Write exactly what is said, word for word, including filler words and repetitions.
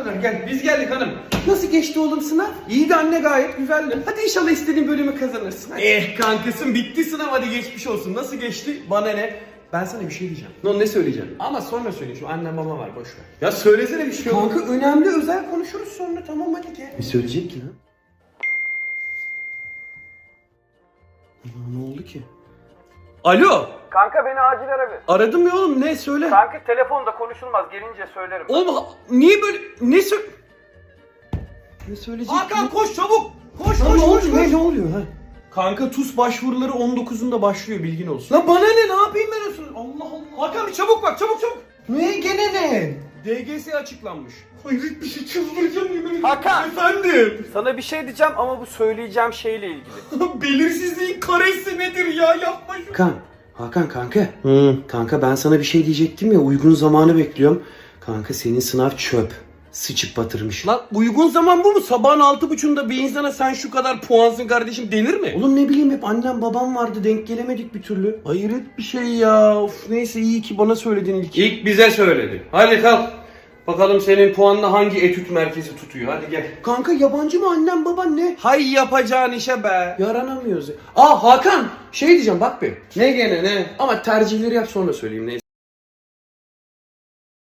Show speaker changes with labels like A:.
A: kadar gel. Biz geldik hanım. Nasıl geçti oğlum sınav? İyiydi anne, gayet güzeldi. Hadi inşallah istediğin bölümü kazanırsın. Hadi. Eh kankasın, bitti sınav, hadi geçmiş olsun. Nasıl geçti? Bana ne? Ben sana bir şey diyeceğim. No, ne söyleyeceğim? Ama sonra söyle, şu annem baba var, boş ver. Ya söylesene bir şey. Kanka önemli, özel konuşuruz sonra, tamam hadi gel. Ne söyleyecek ki lan? Ne oldu ki? Alo.
B: Kanka beni acil ara bir.
A: Aradım ya oğlum, ne söyle?
B: Kanka telefonda konuşulmaz, gelince söylerim.
A: Oğlum ha- niye böyle ne sö... Ne söyleyecek?
B: Hakan koş çabuk. Koş
A: Lan
B: koş
A: ne
B: koş.
A: oluyor? Ne, ne oluyor ha? Kanka T U S başvuruları on dokuzunda başlıyor, bilgin olsun. Lan bana ne, ne yapayım ben olsun? Allah Allah.
B: Hakan bir çabuk bak, çabuk çabuk.
A: Ne gene ne? D G S açıklanmış. Hayret bir şey, çıldıracağım yemin ederim.
B: Hakan.
A: Efendim.
B: Sana bir şey diyeceğim ama bu söyleyeceğim şeyle ilgili.
A: Belirsizliğin karesi nedir ya, yapma şunu. Hakan, Hakan kanka. Hı. Kanka ben sana bir şey diyecektim ya, uygun zamanı bekliyorum. Kanka senin sınav çöp. Sıçıp batırmış. Lan uygun zaman bu mu? Sabahın altı buçuğunda bir insana sen şu kadar puansın kardeşim denir mi? Oğlum ne bileyim, hep annem babam vardı, denk gelemedik bir türlü. Hayret bir şey ya. Of, neyse iyi ki bana söyledin ilk. İlk bize söyledi. Hadi kalk. Bakalım senin puanla hangi etüt merkezi tutuyor, hadi gel. Kanka yabancı mı annem baban ne? Hay yapacağın işe be. Yaranamıyoruz. Aa Hakan, şey diyeceğim bak bir. Ne gene ne? Ama tercihleri yap sonra söyleyeyim, neyse.